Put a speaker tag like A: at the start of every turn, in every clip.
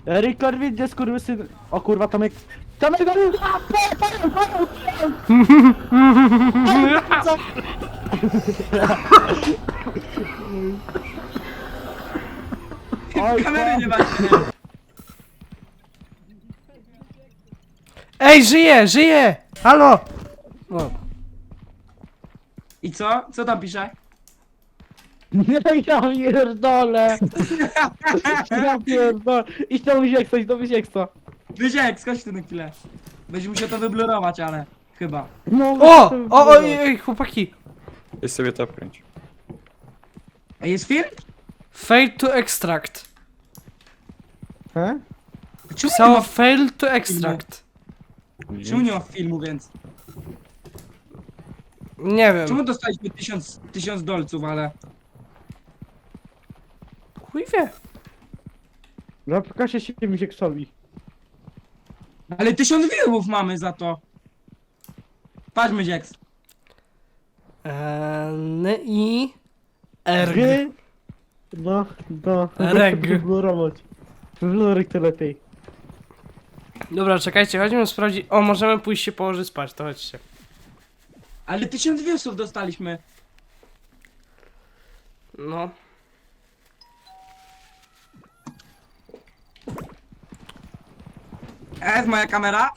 A: Erik Korwin, gdzie skurwysyn... O kurwa, Tomek... Tomek, Oj,
B: Kamery nie macie.
C: Ej, żyje! Halo! O,
B: I co? Co tam pisze?
A: Nie, ja pierdolę! Ja pierdolę! Idź do Wyzieksa, idź do Wyzieksa!
B: Wyziek, skocz tu na chwilę. Będziesz musiał to wyblurować, ale... Chyba.
A: No,
C: ojej, chłopaki!
D: Weź sobie to pręć.
B: A jest film?
C: Fail to extract.
A: He?
B: Czemu nie
C: Pisało
B: ma,
C: fail to extract.
B: czemu nie ma filmu, więc?
C: Nie wiem.
B: Czemu dostaliśmy 1000 dolców, ale...
C: Chuj wie.
A: No, pokażę się Wyzieksowi.
B: Ale 1000 viewów mamy za to. Patrzmy, Jax.
C: N i r.
A: G? No, no.
C: Reg.
A: Wyblurować. Wyblurować to lepiej.
C: Dobra, czekajcie, chodźmy sprawdzić. O, możemy pójść się położyć spać, to chodźcie.
B: Ale 1000 viewsów dostaliśmy.
C: No.
B: Jest moja kamera.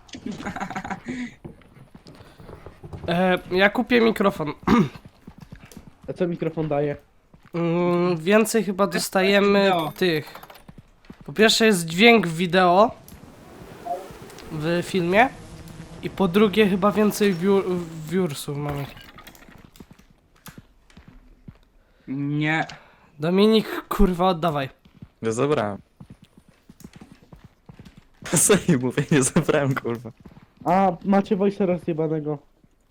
C: Ja kupię mikrofon.
A: A co mikrofon daje?
C: Więcej chyba dostajemy
B: Wideo.
C: tych. Po pierwsze jest dźwięk wideo w filmie. I po drugie chyba więcej viewsów mamy.
B: Nie.
C: Dominik, kurwa, oddawaj.
D: Ja zabrałem. Sobie mówię, nie zabrałem, kurwa.
A: A, macie voice rozjebanego.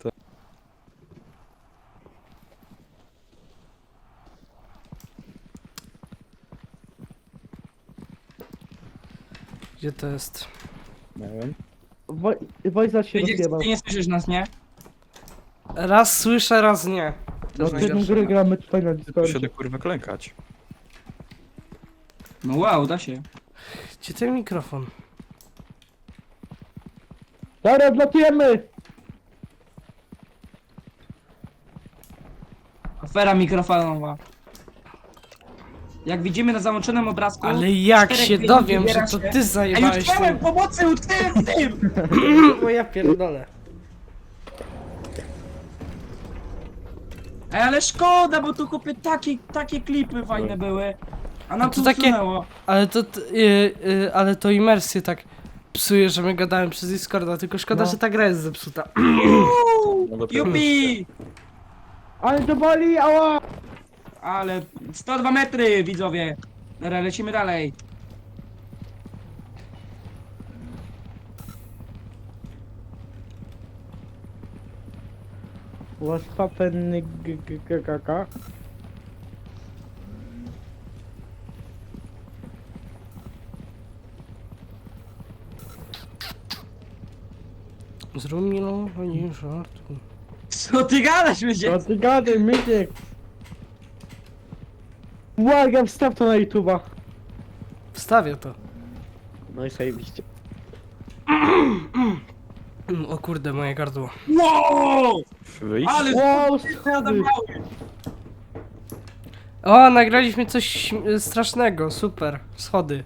C: Gdzie to jest?
D: Nie wiem.
A: Voice'a się
B: Ty
A: rozjebał.
B: nie słyszysz nas, nie?
C: Raz słyszę, raz nie. To
A: No,
C: jest
A: ty
C: najgorsze.
A: gry gramy tutaj na
D: Tu się
A: Discordzie.
D: da kurwa klękać.
B: No wow, da się.
C: Gdzie ten mikrofon?
A: Dobra, odlatujemy!
B: Afera mikrofonowa. Jak widzimy na załączonym obrazku...
C: Ale jak
B: 4
C: się
B: gwiazd
C: dowiem, że
B: wybiera
C: to
B: się-
C: ty
B: Ej,
C: zajebałeś
B: utknąłem!
C: tym.
B: Pomocy! Utknąłem w tym!
C: O ja pierdolę.
B: Ej, ale szkoda, bo tu kupię takie klipy fajne były. A nam
C: to
B: to
C: takie-
B: usunęło.
C: Ale to imersję tak psuje, że my gadamy przez Discorda, tylko szkoda,
A: No.
C: że ta gra jest zepsuta.
D: No dobra.
B: Jupi!
A: Ale to boli, ała!
B: Ale 102 metry, widzowie. Dobra, lecimy dalej.
A: Was papen kaka.
C: Zrób mi no, nie żartu.
B: Co ty gadasz, będzie?
A: No ty gadaj, myciek! Błagam, wstaw to na YouTube'a.
C: Wstawię to.
A: No i zajebiście.
C: O kurde, moje gardło.
B: Wow!
D: Wyjść?
B: Ale
A: Wow,
B: schody!
A: schody!
C: O, nagraliśmy coś strasznego, super. Schody.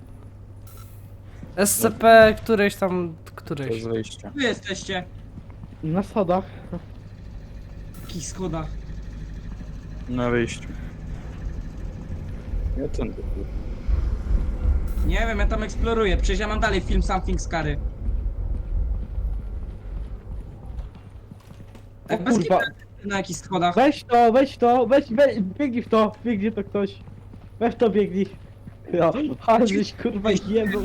C: SCP któreś tam,
D: To
C: któreś.
D: jest wyjście.
B: Wy jesteście.
A: Na schodach.
B: W jakich schodach?
D: Na wyjściu. Ja ten kurwa.
B: Nie wiem, ja tam eksploruję. Przecież ja mam dalej film Something Scary.
A: O
B: Bez
A: kurwa.
B: kitu, na jakich schodach?
A: Weź to, biegnij w to, biegnie to ktoś. Weź to, biegnij. No, ale żeś kurwa jebał.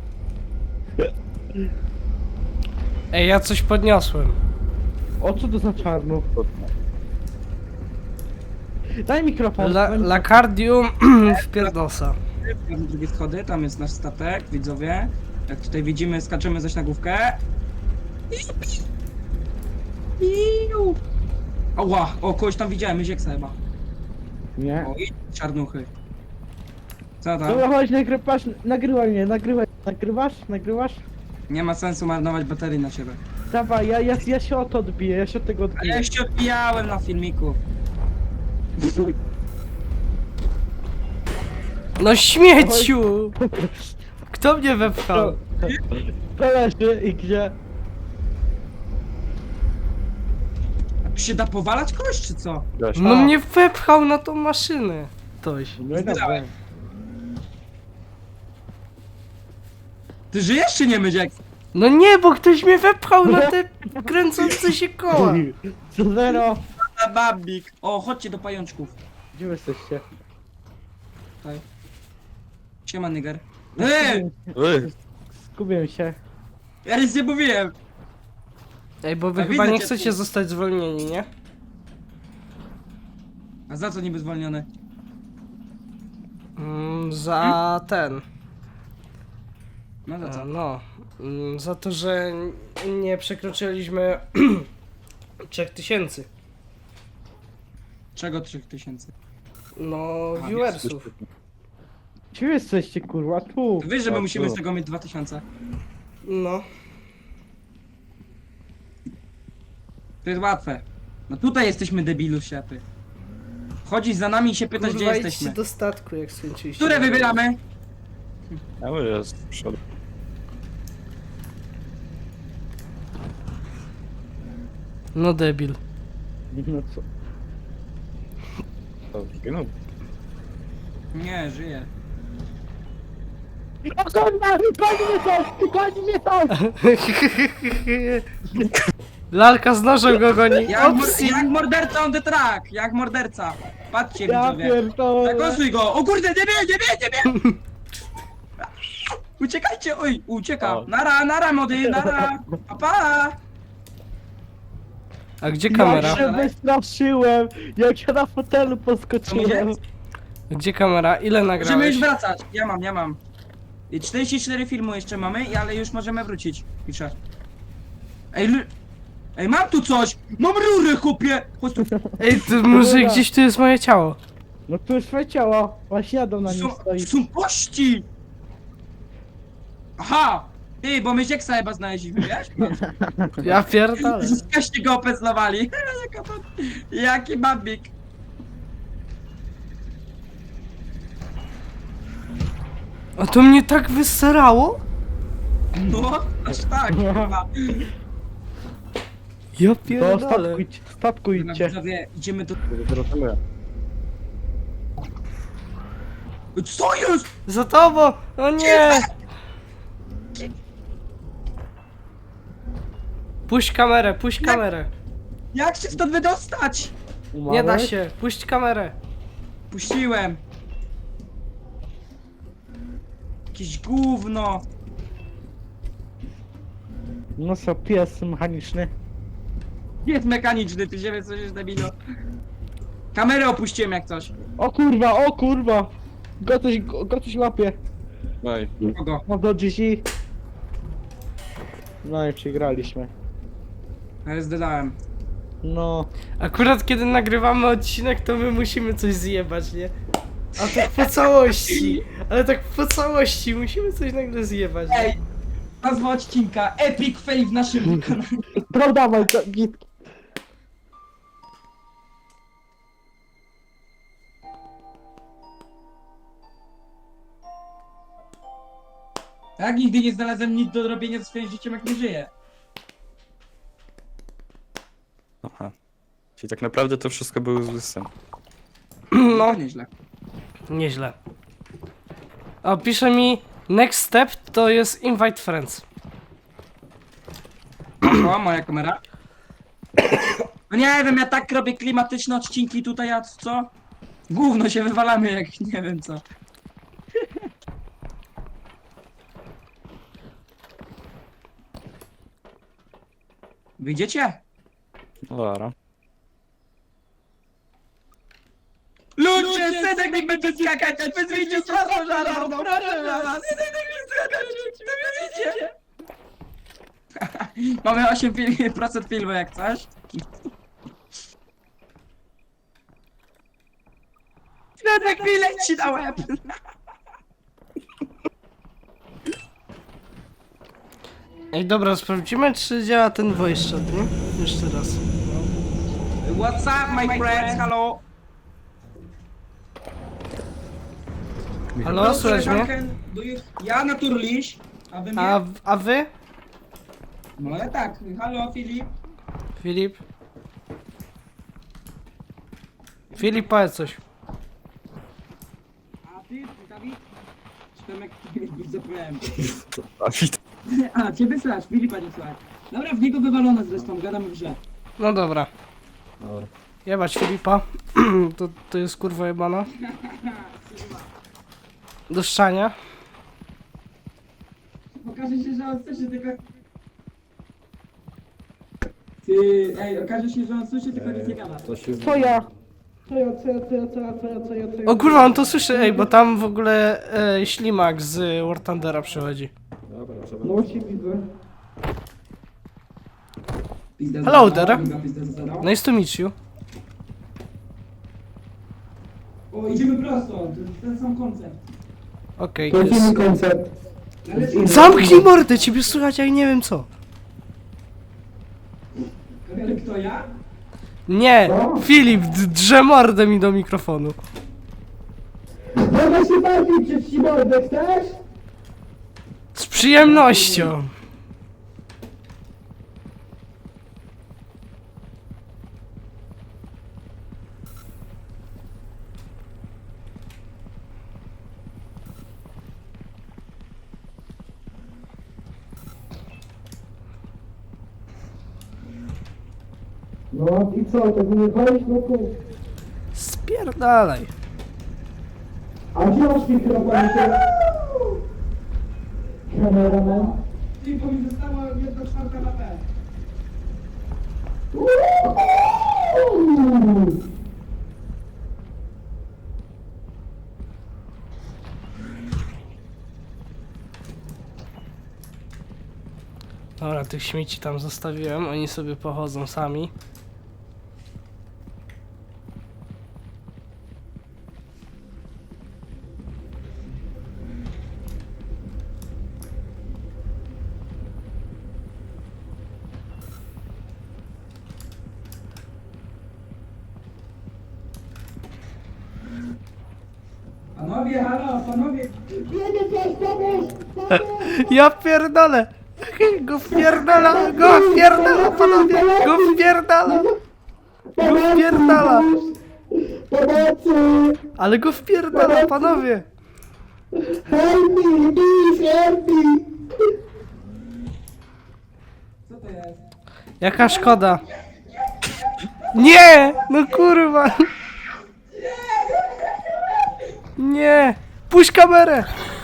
C: Ej, ja coś podniosłem.
A: O, co to za czarno? Daj mikrofon. daj
C: Lacardium w pierdosa.
B: Tam drugie schody, tam jest nasz statek, widzowie. Jak tutaj widzimy, skaczemy za śnagówkę. Iu. Ała, o, kogoś tam widziałem, Zieksa chyba.
A: Nie.
B: O, i czarnuchy. Co tam?
A: Dobra, chodź, patrz, nagrywaj mnie, nagrywaj. Nagrywasz? Nagrywasz?
B: Nie ma sensu marnować baterii na ciebie.
A: Dawaj, ja się o to odbiję, ja się od tego
B: Ale
A: odbiję.
B: ja się odbijałem na filmiku.
C: No śmieciu! Kto mnie wepchał?
A: To leży i gdzie?
B: A tu się da powalać kogoś, czy co?
D: Gaś.
C: No mnie wepchał na tą maszynę. Ktoś.
A: No i dobra.
B: Ty żyjesz czy nie, Mydziek?
C: No nie, bo ktoś mnie wepchał na te kręcące się koła.
A: Co zero?
B: A babik. O, chodźcie do pajączków.
A: Gdzie wy jesteście?
B: Tutaj. Siema, nigger.
A: Skubię się.
B: Ja nic nie mówiłem.
C: Ej, bo wy
B: A
C: chyba
B: widzę
C: nie
B: cię
C: chcecie
B: tu.
C: zostać zwolnieni, nie?
B: A za co niby zwolniony?
C: Za ten.
B: No za co?
C: No. Za to, że nie przekroczyliśmy 3000.
B: Czego 3000?
C: No,
B: A,
C: viewersów.
A: Gdzie wy jesteście, kurwa? Tu.
B: Wiesz, że my
D: A,
B: musimy
D: tu.
B: z tego mieć 2000.
C: No.
B: To jest łatwe. No tutaj jesteśmy debilu siapy. Chodzisz za nami i się pytasz, gdzie
C: Kurwa, idźcie
B: jesteśmy.
C: do statku, jak skończyliście.
B: Które wybieramy?
D: Ja mówię, jest w przodu.
C: No debil.
A: No co?
D: To zginął.
B: Nie, żyję.
A: O kurwa! Goni mnie coś! Goni mnie coś!
C: Lalka z nożem go goni. Opsi.
B: Jak morderca on the track! Jak morderca! Patrzcie,
A: Ja
B: widzowie.
A: pierdolę!
B: Zagosuj go! O kurde, nie wie! Uciekajcie! Oj, ucieka!
D: O.
B: Nara, mody, nara! Pa!
C: A gdzie
A: Ja
C: kamera?
A: się wystraszyłem! Jak ja na fotelu podskoczyłem!
C: Gdzie kamera? Ile
B: Możemy
C: nagrałeś?
B: już wracać. Ja mam. I 44 filmu jeszcze mamy, ale już możemy wrócić. Piszę. Ej, mam tu coś! Mam rurę, chłopie! Chodź tu.
C: Ej, ty, może gdzieś tu jest moje ciało.
A: No tu już twoje ciało! Właśnie jadą na nim
B: Są,
A: stoi.
B: są kości! Aha! Ty, bo my Zieksa chyba znaleźliśmy, wiesz?
C: Ja pierdolę.
B: Kości go opezlowali. Jaki babik.
C: A to mnie tak wyserało?
B: No, aż tak, chyba.
C: Ja
A: To
C: pierdolę.
A: statku idźcie.
B: Widzowie, idziemy do...
D: Zrozumiałem.
B: Co jest?
C: Za tobą! O nie! Puść kamerę, puść kamerę.
B: Jak się stąd wydostać?
C: Nie da się, puść kamerę.
B: Puściłem. Jakieś gówno.
A: No co, pies mechaniczny.
B: Jest mechaniczny, ty się coś jest debilo. Kamerę opuściłem jak coś.
A: O kurwa, o kurwa! Go coś łapie.
D: No i
B: Kogo?
A: No do GG. No i przegraliśmy.
B: Ale zdedałem.
A: No.
C: Akurat kiedy nagrywamy odcinek, to my musimy coś zjebać, nie? A tak po całości. Ale tak po całości musimy coś nagle zjebać. Nie?
B: Ej, nazwa odcinka Epic Fail w naszym kanale.
A: No dawaj, to git.
B: Tak, nigdy nie znalazłem nic do robienia ze swoim życiem, jak nie żyję.
D: aha. Czyli tak naprawdę to wszystko był zły sen.
B: No, nieźle.
C: Nieźle. A pisze mi next step to jest invite friends.
B: O, moja kamera. No nie wiem, ja tak robię klimatyczne odcinki tutaj, a co? Gówno się wywalamy jak nie wiem co. Wyjdziecie?
D: No dobra.
B: Ludzie, synek mi będzie skakać, wy wyjdziecie z pożarną, proszę was. Wyjdziecie. Mamy 8% filmu jak coś. Synek mi leci na łeb.
C: Ej, dobra, sprawdzimy, czy działa ten voice chat, nie? Jeszcze raz.
B: What's up, my friends? Hello?
C: Halo, słychać mnie?
B: Ja naturliś, a wy mnie?
C: A wy?
B: No ja tak. Halo, Filip.
C: Filip? Filip, powiedz coś.
B: A ty, Dawid? Czy tam jak zapomniałem.
D: A wit.
B: A, ciebie słychać, Filipa nie słychać. Dobra, w niego wywalone zresztą, gadamy w grze.
C: No dobra.
D: Dobra.
C: Jebać Filipa. To jest kurwa jebana. Do szczania.
B: Okaże się, że on słyszy tylko... Ty, ej, okaże się, że on słyszy tylko nic nie gada.
A: Co ja?
C: O kurwa, on to słyszy, ej, bo tam w ogóle ślimak z War Thundera przychodzi.
B: No się widzę.
C: Hello there. Nice to meet you.
B: O, idziemy prosto, to jest ten sam koncept.
C: Okej.
A: Lecimy koncert.
C: Zamknij mordę, ciebie słychać, jak nie wiem co.
B: Ale kto ja?
C: Nie, Filip, drze mordę mi do mikrofonu.
A: Mogę się bawić przez ci mordę, chcesz?
C: Z przyjemnością.
A: No i co, to nie walić, no to...
C: Spierdalaj.
A: A gdzie masz mikrofon? Kameraman?
B: Ty, bo mi została 1/4 HP.
C: Dobra, tych śmieci tam zostawiłem, oni sobie pochodzą sami.
B: Panowie, halo, panowie.
C: Ja pierdolę! Go wpierdala, go wpierdala, panowie! Go wpierdala! Go wpierdala!
A: Pomocy!
C: Ale go wpierdala, panowie!
A: Help me, please, help me!
B: Co to jest?
C: Jaka szkoda! Nie! No kurwa! Nie! Puść kamerę!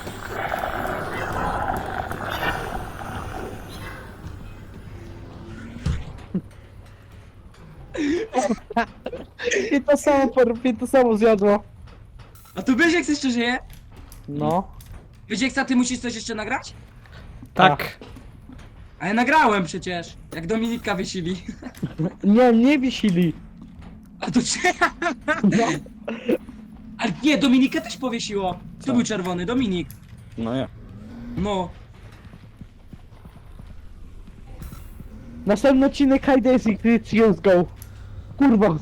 A: I to samo zjadło.
B: A tu wiesz jak jeszcze żyje?
A: No.
B: Wiesz jak ty musisz coś jeszcze nagrać?
C: Tak.
B: A ja nagrałem przecież, jak Dominika wysili.
A: Nie wisili.
B: A to czy...
A: No.
B: Ale nie, Dominikę też powiesiło. Kto był czerwony? Dominik.
D: No ja.
B: No.
A: Następny odcinek Hide and Seek, let's go. Kurwa.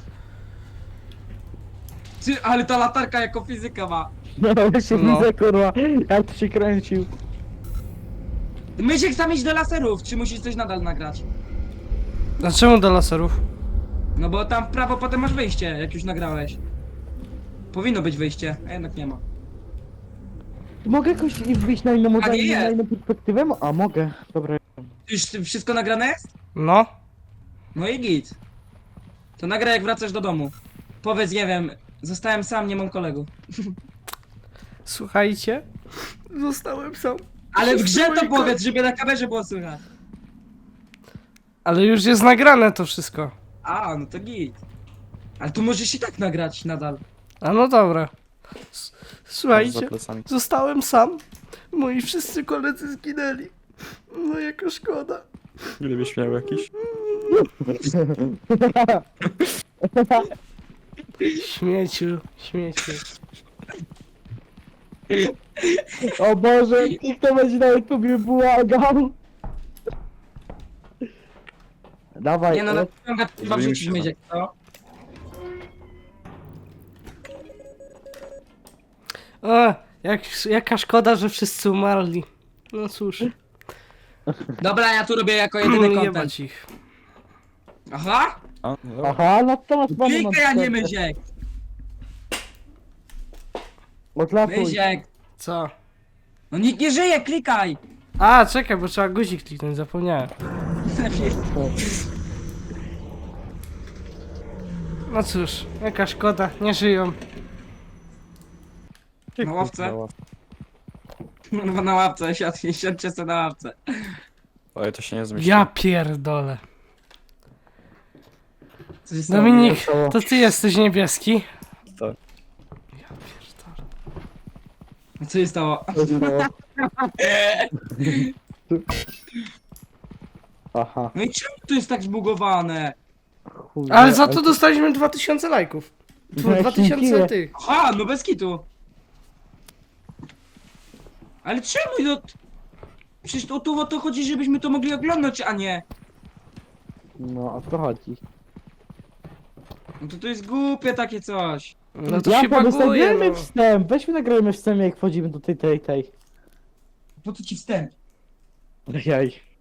B: Ty, ale ta latarka jako fizyka ma.
A: No właśnie
C: No.
A: widzę, kurwa, jak to się kręcił.
B: Mysiek sam iść do laserów, czy musisz coś nadal nagrać?
C: Dlaczego do laserów?
B: No bo tam w prawo potem masz wyjście, jak już nagrałeś. Powinno być wyjście, a jednak nie ma.
A: Mogę jakoś wyjść na inną
B: A nie jest.
A: na inną perspektywę? A mogę, dobra.
B: Już wszystko nagrane jest?
C: No.
B: No i git. To nagraj jak wracasz do domu. Powiedz, nie wiem, zostałem sam, nie mam kolegów.
C: Słuchajcie. Zostałem sam.
B: Ale w grze to
C: Wszyscy moi
B: powiedz, żeby na kamerze było słychać.
C: Ale już jest nagrane to wszystko.
B: A, no to git. Ale tu możesz i tak nagrać nadal.
C: A no dobra.
D: Za
C: Słuchajcie.
D: plecami.
C: Zostałem sam. Moi wszyscy koledzy zginęli. No jaka szkoda.
D: Ile byś miał jakiś?
C: Śmieciu, śmieciu.
A: O Boże, nikt to będzie na YouTubie błagał. Dawaj,
B: Nie no, na ciąga trzeba
D: Zrobimy
B: wrzucić
D: się,
B: myziek, co?
C: O, jaka szkoda, że wszyscy umarli. No cóż,
B: Dobra, ja tu robię jako jedyny content.
C: jebać ich.
B: Aha!
D: A, no,
A: Aha, no to masz panu
B: Klikaj, a nie myziek!
A: Odlatuj.
B: Myziek!
C: Co?
B: No nikt nie żyje, klikaj!
C: A, czekaj, bo trzeba guzik kliknąć, zapomniałem. No cóż, jaka szkoda, nie żyją.
B: Na ławce?
D: no,
B: No na ławce, siadźcie sobie na ławce.
D: ale to się nie zmieści.
C: Ja pierdolę.
B: Co się stało?
C: Dominik, to ty jesteś niebieski?
D: Tak.
C: Ja pierdolę.
B: Co się stało?
A: Aha,
B: No i czemu to jest tak zbugowane?
A: chuj.
C: Ale za to dostaliśmy 2000 lajków.
A: No,
C: 2000
A: dziękuję.
C: tych.
B: Aha, no bez kitu. Ale czemu no... Przecież tu o to chodzi, żebyśmy to mogli oglądać, a nie.
A: No, o to chodzi.
B: No to jest głupie takie coś.
C: No to
A: Ja
C: się
A: to
C: baguje,
A: wystawiamy
C: no.
A: wstęp, weźmy nagrajmy wstęp jak wchodzimy do tej.
B: Po co ci wstęp?
A: Ojej.